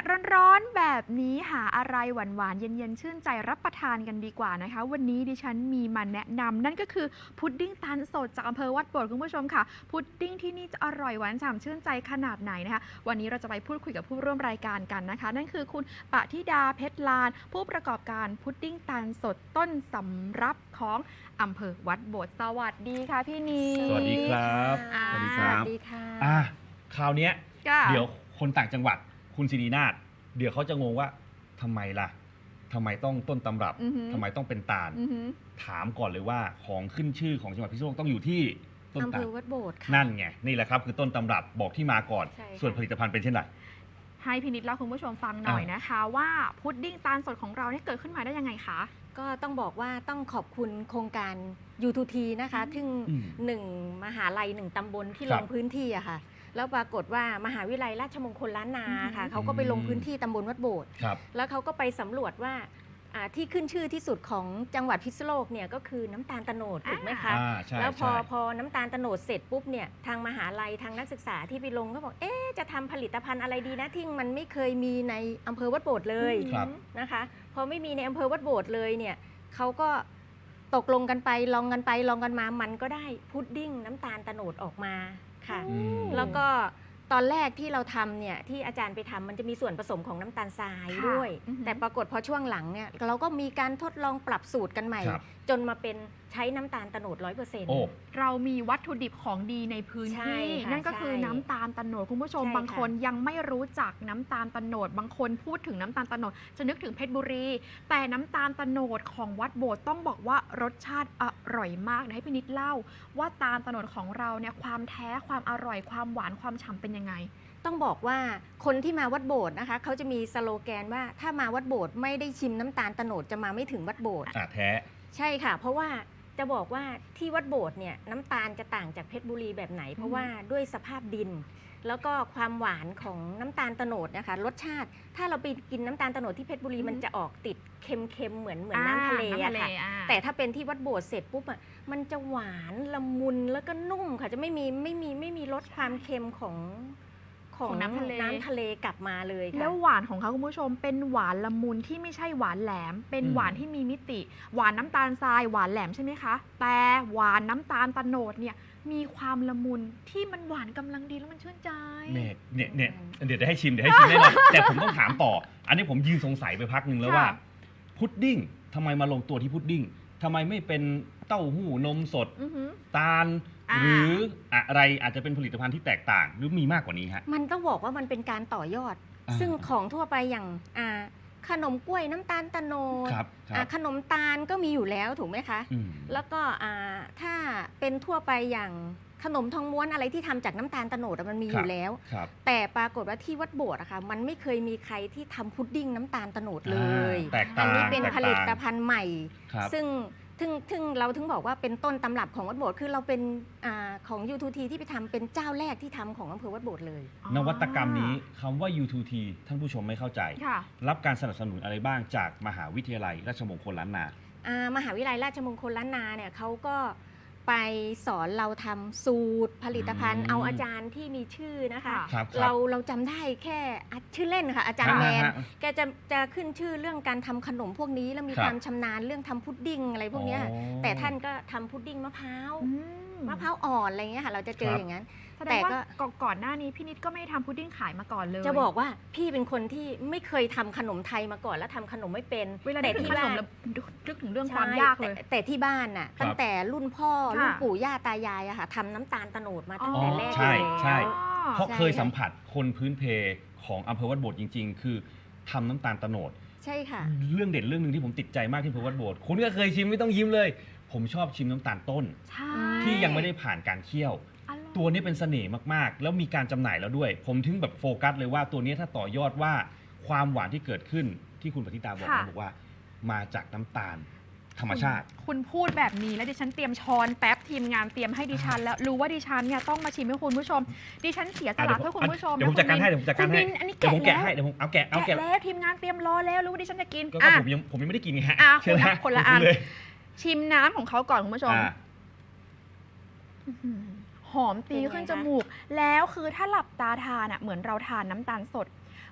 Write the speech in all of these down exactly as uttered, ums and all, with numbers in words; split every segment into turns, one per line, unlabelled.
ร้อนๆแบบนี้หาอะไรหวานๆเย็นๆชื่นใจรับประทานกันดีกว่านะคะวันนี้ดิฉันมีมาแนะนำนั่นก็คือพุดดิ้งตาลสดจากอำเภอวัดโบสถ์คุณผู้ชมค่ะพุดดิ้งที่นี่จะอร่อยหวานฉ่ำชื่นใจขนาดไหนนะคะวันนี้เราจะไปพูดคุยกับผู้ร่วมรายการกันนะคะนั่นคือคุณปฏิดาเพชรลานผู้ประกอบการพุดดิ้งตาลสดต้นสำรับของอำเภอวัดโบสถ์สวัสดีค่ะพี่นี
สวัสดีครับ
สวัสดี
ครับ
สวัสดีค่ะ
อ่ะคราวนี้เดี๋ยวคนต่างจังหวัดคุณศิรินาถเดี๋ยวเขาจะงงว่าทำไมล่ะทำไมต้องต้นตำรับทำไมต้องเป็นตาลถามก่อนเลยว่าของขึ้นชื่อของจังหวัดพิษณุโลกต้องอยู่ที่ต้นตาลอำเภอวัดโบสถ์ค่ะนั่นไงนี่แหละครับคือต้นตำรับบอกที่มาก่อนส่วนผลิตภัณฑ์เป็นเช่นไร
ให้พินิจเล่าคุณผู้ชมฟังหน่อยนะคะว่าพุดดิ้งตาลสดของเราเนี่ยเกิดขึ้นมาได้ยังไงคะ
ก็ต้องบอกว่าต้องขอบคุณโครงการ ยู ทู ที นะคะซึ่งหนึ่งมหาลัยหนึ่งตำบลที่ลงพื้นที่อะค่ะแล้วปรากฏว่ามหาวิทยาลัยราชมงคลล้านนาค่ะเขาก็ไปลงพื้นที่ตำบลวัดโบสถ์แล้วเขาก็ไปสำรวจว่าที่ขึ้นชื่อที่สุดของจังหวัดพิษณุโลกเนี่ยก็คือน้ำตาลโตนดถูกไหมคะแล้วพอพอน้ำตาลโตนดเสร็จปุ๊บเนี่ยทางมหาลัยทางนักศึกษาที่ไปลงก็บอกเอ๊ะจะทำผลิตภัณฑ์อะไรดีนะที่มันไม่เคยมีในอำเภอวัดโบสถ์เลยนะคะพอไม่มีในอำเภอวัดโบสถ์เลยเนี่ยเขาก็ตกลงกันไปลองกันไปลองกันมามันก็ได้พุดดิ้งน้ำตาลโตนดออกมาค่ะแล้วก็ตอนแรกที่เราทำเนี่ยที่อาจารย์ไปทำมันจะมีส่วนผสมของน้ำตาลทรายด้วยแต่ปรากฏพอช่วงหลังเนี่ยเราก็มีการทดลองปรับสูตรกันใหม่จนมาเป็นใช้น้ำตาลโตนดร้อยเปอร์เซ็นต์
เรามีวัตถุดิบของดีในพื้นที่นั่นก็คือน้ำตาลโตนดคุณผู้ชมบางคนยังไม่รู้จักน้ำตาลโตนดบางคนพูดถึงน้ำตาลโตนดจะนึกถึงเพชรบุรีแต่น้ำตาลโตนดของวัดโบสถ์ต้องบอกว่ารสชาติอร่อยมากนะให้พี่นิดเล่าว่าตาลโตนดของเราเนี่ยความแท้ความอร่อยความหวานความฉ่ำเป็นยังไง
ต้องบอกว่าคนที่มาวัดโบสถ์นะคะเขาจะมีสโลแกนว่าถ้ามาวัดโบสถ์ไม่ได้ชิมน้ำตาลโตนดจะมาไม่ถึงวัดโบสถ์
อ่ะแท้
ใช่ค่ะเพราะว่าจะบอกว่าที่วัดโบสถ์เนี่ยน้ำตาลจะต่างจากเพชรบุรีแบบไหนเพราะว่าด้วยสภาพดินแล้วก็ความหวานของน้ำตาลโตนดนะคะรสชาติถ้าเราไปกินน้ำตาลโตนดที่เพชรบุรีมันจะออกติดเค็มๆเหมือนเหมือนน้ำทะเลอะค่ะแต่ถ้าเป็นที่วัดโบสถ์เสร็จปุ๊บอะมันจะหวานละมุนแล้วก็นุ่มค่ะจะไม่มีไม่มีไม่มีรสความเค็มของของน้ำทะเลน้ำทะเลกลับมาเลย
แล้วหวานของเขาคุณผู้ชมเป็นหวานละมุนที่ไม่ใช่หวานแหลมเป็นหวานที่มีมิติหวานน้ำตาลทรายหวานแหลมใช่ไหมคะแต่หวานน้ำตาลโตนดเนี่ยมีความละมุนที่มันหวานกำลังดีแล้วมันชื่นใจ
เนี่ยเนี่ยเนี่ยเดี๋ยวจะให้ชิมเดี๋ยวให้ชิมแน่นอนแต่ผมต้องถามต่ออันนี้ผมยืนสงสัยไปพักหนึ่งแล้วว่าพุดดิ้งทำไมมาลงตัวที่พุดดิ้งทำไมไม่เป็นเต้าหู้นมสดตาลหรืออะไรอาจจะเป็นผลิตภัณฑ์ที่แตกต่างหรือมีมากกว่านี้ฮะ
มันต้องบอกว่ามันเป็นการต่อยอดซึ่งของทั่วไปอย่างขนมกล้วยน้ำตาลโตนดขนมตาลก็มีอยู่แล้วถูกไหมคะแล้วก็ถ้าเป็นทั่วไปอย่างขนมทองม้วนอะไรที่ทำจากน้ำตาลโตนดมันมีอยู่แล้วแต่ปรากฏว่าที่วัดโบสถ์อะค่ะมันไม่เคยมีใครที่ทำพุดดิ้งน้ำตาลโตนดเลยอันนี้เป็นผลิตภัณฑ์ใหม่ซึ่งถึงถึงเราถึงบอกว่าเป็นต้นตำรับของวัดโบสถ์คือเราเป็นอของ ยู ทู ที ที่ไปทำเป็นเจ้าแรกที่ทำของอำเภอวัดโบสถ์เลย
นวัตกรรมนี้คำว่า ยู ทู ที ท่านผู้ชมไม่เข้าใจรับการสนับสนุนอะไรบ้างจากมหาวิทยาลัยราชมงคลล้านนาม
หาวิทยาลัยราชมงคลล้านนาเนี่ยเขาก็ไปสอนเราทำสูตรผลิตภัณฑ์เอาอาจารย์ที่มีชื่อนะคะเราเราจำได้แค่ชื่อเล่นค่ะอาจารย์แมนแกจะจะขึ้นชื่อเรื่องการทำขนมพวกนี้แล้วมีความชำนาญเรื่องทำพุดดิ้งอะไรพวกนี้แต่ท่านก็ทำพุดดิ้งมะพร้าวมะพร้าวอ่อนอะไรเงี้ยค่ะเราจะเจออย่างนั้น
แต่ก็ก่อนหน้านี้พี่นิดก็ไม่ได้ทำพุดดิ้งขายมาก่อนเลย
จะบอกว่าพี่เป็นคนที่ไม่เคยทำขนมไทยมาก่อนแล้วทำขนมไม่เป็น
แต่ที่บ้านนึกถึงเรื่องความยากเลย
แต่ที่บ้านน่ะตั้งแต่รุ่นพ่อรุ่นปู่ย่าตายายอะค่ะทำน้ำตาลโตนดมาตั้งแต่แรก
ใช่ใช่เพราะเคยสัมผัสคนพื้นเพของอำเภอวัดโบสถ์จริงๆคือทำน้ำตาลโตนด
ใช่ค่ะ
เรื่องเด่นเรื่องหนึ่งที่ผมติดใจมากที่อำเภอวัดโบสถ์คุณก็เคยชิมไม่ต้องยิ้มเลยผมชอบชิมน้ำตาลต้นที่ยังไม่ได้ผ่านการเคี่ยวตัวนี้เป็นเสน่ห์มากๆแล้วมีการจำหน่ายแล้วด้วยผมถึงแบบโฟกัสเลยว่าตัวนี้ถ้าต่อยอดว่าความหวานที่เกิดขึ้นที่คุณปฏิตาบอกนะบอกว่ามาจากน้ำตาลธรรมชาติ
คุณพูดแบบนี้แล้วดิฉันเตรียมช้อนแป๊บทีมงานเตรียมให้ดิฉันแล้วรู้ว่าดิฉันเนี่ยต้องมาชิมให้คุณผู้ชมดิฉันเสียสละเพื่อคุณผู้ชม
เดี๋ยวผมจัดการให้เดี๋ยวผมจัดการให้
เดี๋ยว
ผมแกะให้เดี๋ยวผมเอาแกะเอาแกะ
แล้วทีมงานเตรียมรอแล้วรู้ว่าดิฉันจะกิน
ก็ผมยังผมยังไม่ได้กินไงฮะ
คนละอันชิมน้ำของเขาก่อนคุณผู้ชมหอมตีขึ้นจมูกแล้วคือถ้าหลับตาทานอ่ะเหมือนเราทานน้ำตาลสด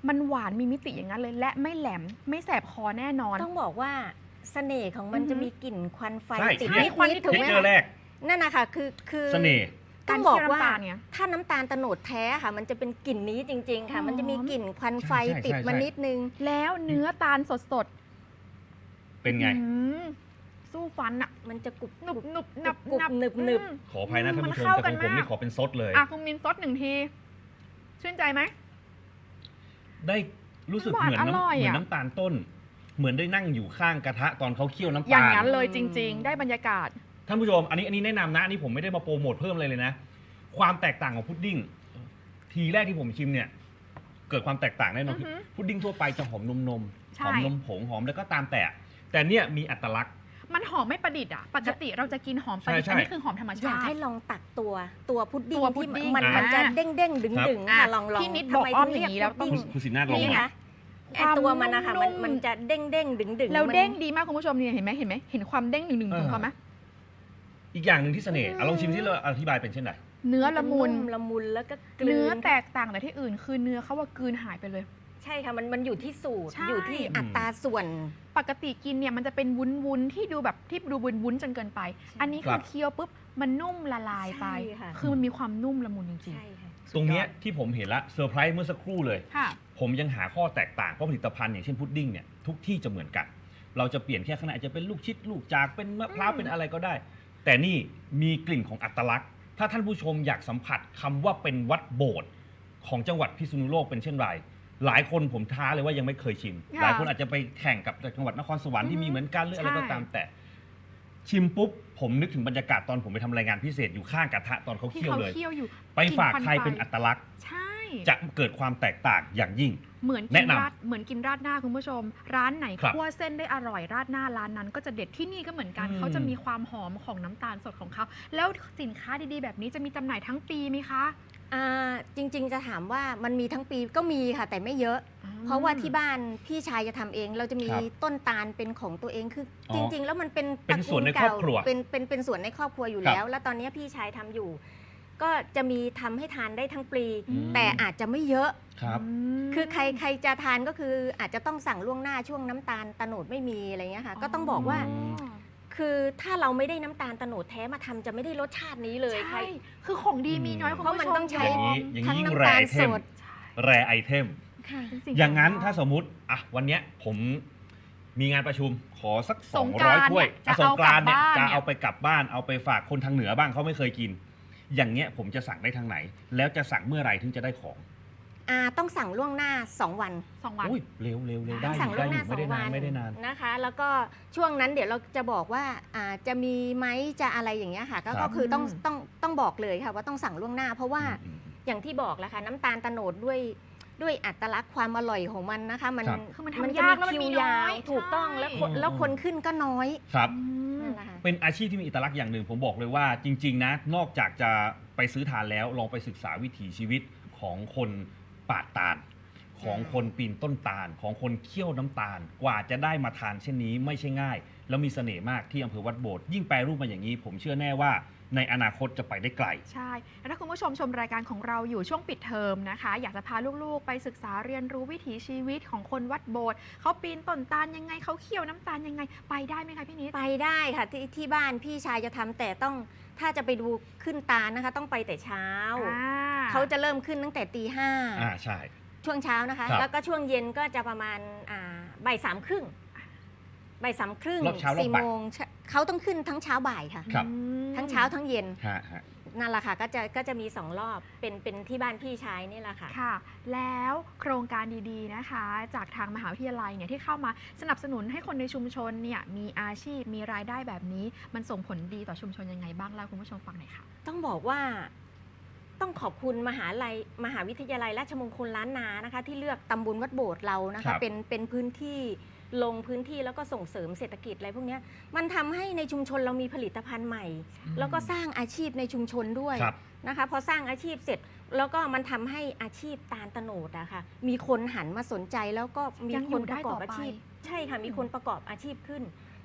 มันหวานมีมิติอย่างนั้นเลย และไม่แหลมไม่แสบคอแน่นอน
ต้องบอกว่าเสน่ห์ของมัน
อือฮึ
จะมีกลิ่นควันไฟ
ใช่
ติด
ใช่
นิด
ควัน
นิดถูก
เทค
ไหม
เจอร์แร
คะ
ก
นั่นนะคะคือคือ
เสน่ห์
ต้องบอกว่า
การเคี่ยวน้ำตาลเนี่ย
ถ้าน้ำตาลโตนดแท้ค่ะ มันจะเป็นกลิ่นนี้จริง ๆ ค่ะ
หอม
มันจะมีกลิ่นควันไฟ
ใช่ใช่
ติดมา
ใช่
นิดนึง
แล้วเนื้อตาลสด
เป็นไง
ๆอืมสู้ฟันอะ
มันจะกรุบ
หนุบหนุบหนับ
กรุบ
นับ
หนึบหนึบ
อืม
ขออภัยนะท่านผู้ชม
มันเข้า
แต่
กั
ข
น
องผม
มาก
นี่ขอเป็นซดเลย
อ่ะคุณมินซดหนึ่งที ชื่นใจไหม
ได้รู้สึก
หวาน
เหมือน
อร่อย
น้ำเหมือน
อะ
น้ำตาลต้น เหมือนได้นั่งอยู่ข้างกระทะตอนเขาเคี่ยวน้ำ
อย่า
ตาง ล
นั้นเลยจริง ๆ ได้บรรยากาศ
ท่านผู้ชม อันนี้อันนี้แนะนำนะอันนี้ผมไม่ได้มาโปรโมทเพิ่มเลยเลยนะ ความแตกต่างของพุดดิ้งทีแรกที่ผมชิมเนี่ย เกิดความแตกต่างแน่นอน
อือฮึ
พุดดิ้งทั่วไปจะหอมนมนม
ใช่
หอมนมผงหอมแล้วก็ตามแต่ แต่เนี่ยมีอัตลักษณ์
มันหอมไม่ประดิษฐ์อ่ะ ปกติเราจะกินหอมประดิษฐ์
ใช่
อัน
ใช่
นี้คือหอมธรรม
อยา
ชาก ติ
ให้ลองตักตัวตัวพุดดิ้ง
ตัวพุด
ที่
ดิ้ง
มัน
อ่ามั
มันจะเด้งเด้งดึงดึง
อ่ะ
ค่ะลองลอง
พี่นิด
ทำไม
บอกอ้อม
ถึ
อย่างนี้แล้วต้อง
เรียก
คุณสินาถลอง
นี่
หน่อย
คะไอ
ความ
ตัวมันนะคะมัน
นุ่ม
มันจะเด้งเด้งดึงดึง
แล้ว
มัน
เด้งดีมากคุณผู้ชมเนี่ยเห็นไหมเห็นไหมเห็นความเด้งหนึ่งหนึ่งของเขาไหม
อีกอย่างหนึ่งที่เสน่ห์
อืม
อ่ะลองชิมที่เราอธิบายเป็นเช่นไร
เนื้อละมุน
ละมุนแล้วก็กลื
เนื้อแตกต่างแต่ที่อื่น คือเนื้อเขาว่ากลืนหายไปเลย
ใช่ค่ะมันมันอยู่ที่สูตร
ใช่
อยู่ที่อัตราส่วน
ปกติกินเนี่ยมันจะเป็นวุ้นวุ้นๆที่ดูแบบที่ดูวุ้นวุ้นๆจนเกินไป อันนี้
ค
คื
รั
อบ เคี้ยวปุ๊บมันนุ่มละลายไป
ใช่ค่ะ
คือมันมีความนุ่มละมุนจริง
ใช่ค่ะ
ๆ
ตรงเนี้ย
สุดยอด
ที่ผมเห็นละเซอร์ไพรส์เมื่อสักครู่เลย
ค่ะ
ผมยังหาข้อแตกต่างเพราะผลิตภัณฑ์อย่างเช่นพุดดิ้งเนี่ยทุกที่จะเหมือนกัน เราจะเปลี่ยนแค่ข้างในอาจจะเป็นลูกชิดลูกจากเป็นมะพร้าว
อืม
เป็นอะไรก็ได้ แต่นี่มีกลิ่นของอัตลักษณ์ ถ้าท่านผู้ชมอยากสัมผัสคำว่าเป็นวัดโบสถ์ของจังหวัดพิษณุโลกเป็นเช่นไร หลายคนผมท้าเลยว่ายังไม่เคยชิม
ค่ะ
หลายคนอาจจะไปแข่งกับจังหวัดนครสวรรค์ที่มีเหมือนกันหรืออะไรก็
ใช่
ตามแต่ ชิมปุ๊บผมนึกถึงบรรยากาศตอนผมไปทำรายงานพิเศษอยู่ข้างกระทะตอนเขา
ที่
เคี่ยว
เขา
เลย
เคี่ยวอยู่
ไปฝาก
กลิ่น
ใครเป็น
ไฟ
อัตลักษณ์
ใช่
จะเกิดความแตกต่างอย่างยิ่ง
เหมือนกิ
แนะ
น
นำ
ราดเหมือนกินราดหน้าคุณผู้ชม ร้านไหน
ครับ
คั่วเส้นได้อร่อยราดหน้าร้านนั้นก็จะเด็ดที่นี่ก็เหมือนกัน
อืม
เขาจะมีความหอมของน้ำตาลสดของเขาแล้วสินค้าดีๆ แบบนี้จะมีจำหน่ายทั้งปีไหมคะ
อ่าจริงๆจะถามว่ามันมีทั้งปีก็มีค่ะ แต่ไม่เยอะ เพราะว่าที่บ้านพี่ชายจะทำเอง เราจะมี
ครับ
ต้นตาลเป็นของตัวเองคืออ
อ
จริง ๆ แล้วมันเป็น
เป็น
ตระกูล
ส่วนในครอบครัว
เก่าเป็นเป็นเป็นส่วนในครอบครัวอยู่
ครับ
แล้ว แล้วตอนนี้พี่ชายทำอยู่ ก็จะมีทำให้ทานได้ทั้งปี
อืม
แต่อาจจะไม่เยอะ
ครับ
ม
คือใครใครจะทานก็คืออาจจะต้องสั่งล่วงหน้าช่วงน้ำตาลตะโนดไม่มีอะไรเงี้ยค่ะ ก็ต้องบอกว่า
อ๋อ
คือถ้าเราไม่ได้น้ำตาลตะโนดแท้มาทำจะไม่ได้รสชาตินี้เลยใคร
ใช่ คือของดีมีน้อย
อืม
คุณ
เพราะ
ผู้
มัน
ชม
ต้องใช้
อย่างนี้อย่าง
ทั้ง
นี้ยิ่ง
น้ำ
แร
ตาล
ไอเท
ส
ม
ด
แรไอเทม
ค่ะ
เป็นสิ่
อย่างนั้น
ข
ถ้าสมมุติอ่ะวันเนี้ยผมมีงานประชุมขอสัก
สงกรานต์
สองร้อยถ้วย
เนี่ย
อ่ะสงกรานต์เนี่ย
จะ
จะ
เอา
เอา
ก
ไป
ลับ
กลับบ้านเอาไปฝากคนทางเหนือบ้างเขาไม่เคยกิน อย่างเงี้ยผมจะสั่งได้ทางไหน แล้วจะสั่งเมื่อไหร่ถึงจะได้ของ
อ่าต้องสั่งล่วงหน้าสองวัน
สองวัน
อุ้ยเร็วเร็วเร็วได้อ
สั่ง
ยู่
ล่
ได้
วง
อ
หน้า
ยู่
สอ
ไม่
ง
ได้
วั
นาน
น
ไม่ได้นาน
นะคะ แล้วก็ช่วงนั้นเดี๋ยวเราจะบอกว่าอ่าจะมีไหมจะอะไรอย่างเงี้ยค่ะ ก็
ครับ
ก็คือต้อง
อืม
ต้องต้องบอกเลยค่ะว่าต้องสั่งล่วงหน้า เพราะว่า
อืม
อย่างที่บอกแหละค่ะน้ำตาลตะโนดด้วยด้วยอัตลักษณ์ความอร่อยของมันนะคะ มัน
ครับ
คือมัน
มัน
ทำ
จะ
ยาก
มี
แล้วมัน
คิว
มีน้
ยา
อ
วย ถูกต้อง
ใช่
แล้วคน
อืม
แล้วคนขึ้นก็น้อย
ครับ
อืม
นั่นแหละค่ะ
เป็นอาชีพที่มีเอกลักษณ์อย่างหนึ่งผมบอกเลยว่าจริง ๆ นะ นอกจากจะไปซื้อทานแล้วลองไปศึกษาวิถีชีวิตของคนปาดตาล ของคนปีนต้นตาล ของคนเคี่ยวน้ำตาลกว่าจะได้มาทานเช่นนี้ไม่ใช่ง่าย แล้วมีเสน่ห์มากที่อำเภอวัดโบสถ์ยิ่งแปรรูปมาอย่างนี้ ผมเชื่อแน่ว่าในอนาคตจะไปได้ไกล
ใช่แล้วถ้าคุณผู้ชมชมรายการของเราอยู่ช่วงปิดเทอมนะคะ อยากจะพาลูกๆ ไปศึกษาเรียนรู้วิถีชีวิตของคนวัดโบสถ์เขาปีนต้นตาลยังไงเขาเคี่ยวน้ำตาลยังไง ไปได้ไหมคะพี่นิด
ไปได้ค่ะที่ที่บ้านพี่ชายจะทำแต่ต้องถ้าจะไปดูขึ้นตาลนะคะ ต้องไปแต่เช้า
อ่า
เขาจะเริ่มขึ้นตั้งแต่ตีห้า
อ่าใช่
ช่วงเช้านะคะ
ครับ
แล้วก็ช่วงเย็นก็จะประมาณอ่าบ่ายสามครึ่งบ่ายสามครึ่ง
รอบเช้ารอบ
สี่
บ่าย
โมงเช้าเขาต้องขึ้นทั้งเช้าบ่ายค่ะ
ครับ
อืม
ทั้งเช้าทั้งเย็น
ฮะฮะ
นั่นแหละค่ะก็จะก็จะมีสองรอบเป็นเป็นที่บ้านพี่ชายนี่แหละค่ะ
ค่ะ แล้วโครงการดีๆนะคะ จากทางมหาวิทยาลัยเนี่ยที่เข้ามาสนับสนุนให้คนในชุมชนเนี่ยมีอาชีพมีรายได้แบบนี้มันส่งผลดีต่อชุมชนยังไงบ้างเล่าคุณผู้ชมฟังหน่อยค่ะ
ต้องบอกว่าต้องขอบคุณมหาลัยมหาวิทยาลัยราชมงคลล้านนานะคะ ที่เลือกตำบลวัดโบสถ์เรานะ
ครั
คะ
บ
เป็นเป็นพื้นที่ลงพื้นที่แล้วก็ส่งเสริมเศรษฐกิจอะไรพวกเนี้ยมันทำให้ในชุมชนเรามีผลิตภัณฑ์ใหม่ แล้วก็สร้างอาชีพในชุมชนด้วย
ครับ
นะคะพอสร้างอาชีพเสร็จ แล้วก็มันทำให้อาชีพตาลตะโนดอะค่ะมีคนหันมาสนใจแล้วก็มี
ยังอ
ค
ยู่
น
ได้
ประกอบ
ต่อไป
อาชีพ ใช่ค่ะมีคนประกอบอาชีพขึ้น พ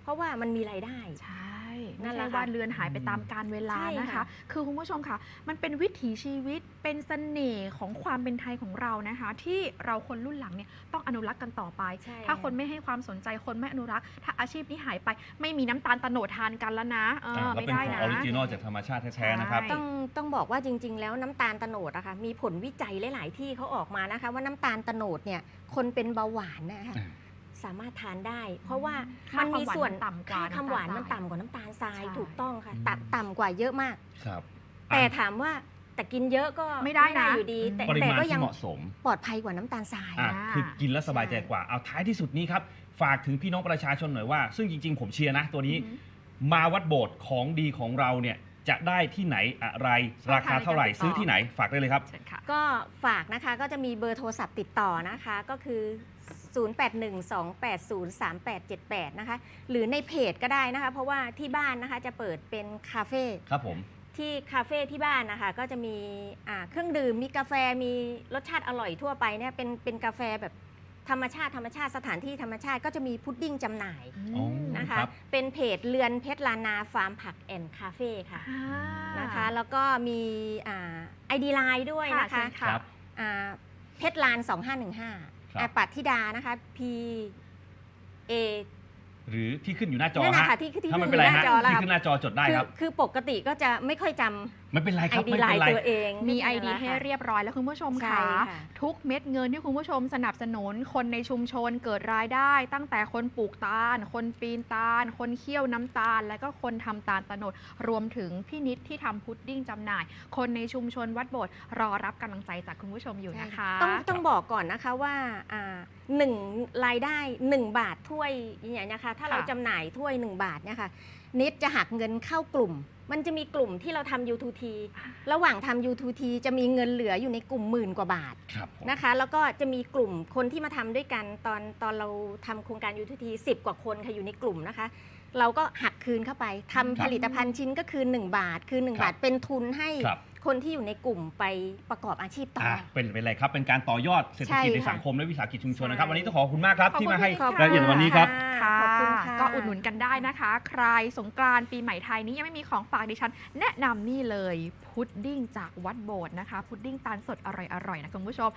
ราะว่ามันมีรายได้
ใช่
นั่
ไม่
นแห
ใช่
ละ
ว่า
ค่ะ
เลือนหายไปตามกาลเวลา
ใช่
นะคะ
ค่ะ
คือคุณผู้ชมค่ะ มันเป็นวิถีชีวิตเป็นเสน่ห์ของความเป็นไทยของเรานะคะ ที่เราคนรุ่นหลังเนี่ยต้องอนุรักษ์กันต่อไป
ใช่
ถ้าคนไม่ให้ความสนใจคนไม่อนุรักษ์ถ้าอาชีพนี้หายไป ไม่มีน้ำตาลโตโนดทานกันแล้วนะเออ
อ่าแล้ว
ไม่
เป็น
ได้
ของ
นะ
ออริจินอลจากธรรมชาติแท้ๆนะครับ
ใช่
ต้องต้องบอกว่าจริง ๆ แล้วน้ำตาลโตโนดอะค่ะมีผลวิจัยหลาย ๆ ที่เขาออกมานะคะ ว่าน้ำตาลโตโนดเนี่ยคนเป็นเบาหวานนะคะ
อ่า
สามารถทานได้ เพราะว่า
ค่า
มันมีส่วน
ความหวานมันต่ำกว่า
ค่าความหวาน
น้ำตาล
มันต่ำกว่าน้ำตาลทราย
ใช่
ถูกต้องค่ะ
อืม
ต่ำต่ำกว่าเยอะมาก
ครับ
แต่ถามว่าแต่กินเยอะก็
ไม่ได้นะ
อยู่ดี แต่
ปริ
แต่
มาณ
ก็ยั
ที่
ง
เหมาะสม
ปลอดภัยกว่าน้ำตาลทราย
อ่ะ
อ่า
คือกินแล้วสบายใจกว่า เอาท้ายที่สุดนี้ครับ ฝากถึงพี่น้องประชาชนหน่อยว่า ซึ่งจริง ๆ ผมเชียร์นะตัวนี้
อือหือ
มาวัดโบสถ์ของดีของเราเนี่ยจะได้ที่ไหนอะไร ราคาเท่าไหร่
ช่องทางในการติดต่อ
ซื้อที่ไหนฝากได้เลยครับ
เชิญค่ะ
ก็ฝากนะคะก็จะมีเบอร์โทรศัพท์ติดต่อนะคะก็คือ ศูนย์ แปด หนึ่ง สอง แปด ศูนย์ สาม แปด เจ็ด แปด นะคะหรือในเพจก็ได้นะคะ เพราะว่าที่บ้านนะคะจะเปิดเป็นคาเฟ่
ครับผม
ที่คาเฟ่ที่บ้านนะคะก็จะมีอ่าเครื่องดื่มมีกาแฟมีรสชาติอร่อยทั่วไปเนี่ยเป็นเป็นกาแฟแบบธรรมชาติธรรมชาติสถานที่ธรรมชาติก็จะมีพุดดิ้งจำหน่าย
อ๋อ
นะคะ
ครับ
เป็นเพจเรือนเพชรลานาฟาร์มผักแอนด์คาเฟ่ค่ะ
อ่า
นะคะแล้วก็มีไอดีไลน์ด้วยนะคะ
ค่ะเชิญค่ะ
ครับ
อ่าเพชรลานสองห้าหนึ่งห้า
ครับ
ปัทธิดานะคะ P A
หรือที่ขึ้นอยู่หน้าจอ
นั่น
ฮะ
นะคะที่ที่
ถ้า
ขึ้
มัน
น
เป็น
อ
ไร
ยู่หน้า
ฮะ
จอแล้ว
ที่
ค่ะ
ขึ้นหน้าจอจดได้
คือ
ครับ
คือปกติก็จะไม่ค่อยจ
ไม่เป็นไร
ำ
ค
ไอ
รับ
ดี
ไม่
ไล
เป็น
น์
ไร
ตัวเอง
มี
นั่
ไอน
แห
ดี
ละ
ให้
ค่ะ
เรียบร้อยแล้วคุณผู้ชม
ใช่
ค่ะ
ค่ะ
ทุกเม็ดเงินที่คุณผู้ชมสนับสนุนคนในชุมชนเกิดรายได้ ตั้งแต่คนปลูกตาล คนปีนตาล คนเคี่ยวน้ำตาล และก็คนทำตาลตะโนดรวมถึงพี่นิดที่ทำพุดดิ้งจำหน่าย คนในชุมชนวัดโบสถ์รอรับกำลังใจจากคุณผู้ชมอยู่นะคะ
ต้องต้องบอกก่อนนะคะว่าอ่าหนึ่งรายได้หนึ่งบาทถ้วยอย่างเงี้ยนะคะถ้าเรา
ค่ะ
จำหน่ายถ้วยหนึ่งบาทเนี่ยค่ะนิดจะหักเงินเข้ากลุ่ม มันจะมีกลุ่มที่เราทำ ยู ทู ที ระหว่างทำ ยู ทู ที จะมีเงินเหลืออยู่ในกลุ่มหมื่นกว่าบาท
ครับผม
นะคะแล้วก็จะมีกลุ่มคนที่มาทำด้วยกันตอนตอนเราทำโครงการ ยู ทู ที สิบกว่าคนค่ะอยู่ในกลุ่มนะคะ เราก็หักคืนเข้าไปทำผลิตภัณฑ์ชิ้นก็คือหนึ่งบาท คือหนึ่ง
ครับ
บาทเป็นทุนให้
ครับ
คนที่อยู่ในกลุ่มไปประกอบอาชีพต่อ
อ่ะ
อ
เป็นเป็นไรครับ เป็นการต่อยอดเศรษฐกิจ
ใช่
ใน
ค่ะ
สังคมและวิสาหกิจชุมชนนะครับ
ใช่
วันนี้ต้องขอบคุณมากครับ
ขอบคุณ
ที่มาให้
ขอบคุณ
รายละเอียดในวันนี้ครับ
ค่ะ
ขอบคุณค่ะ
ก็อุดหนุนกันได้นะคะ ใครสงกรานต์ปีใหม่ไทยนี้ยังไม่มีของฝากดิฉัน แนะนำนี่เลยพุดดิ้งจากวัดโบสถ์นะคะ พุดดิ้งตาลสดอร่อยๆนะคุณผู้ชม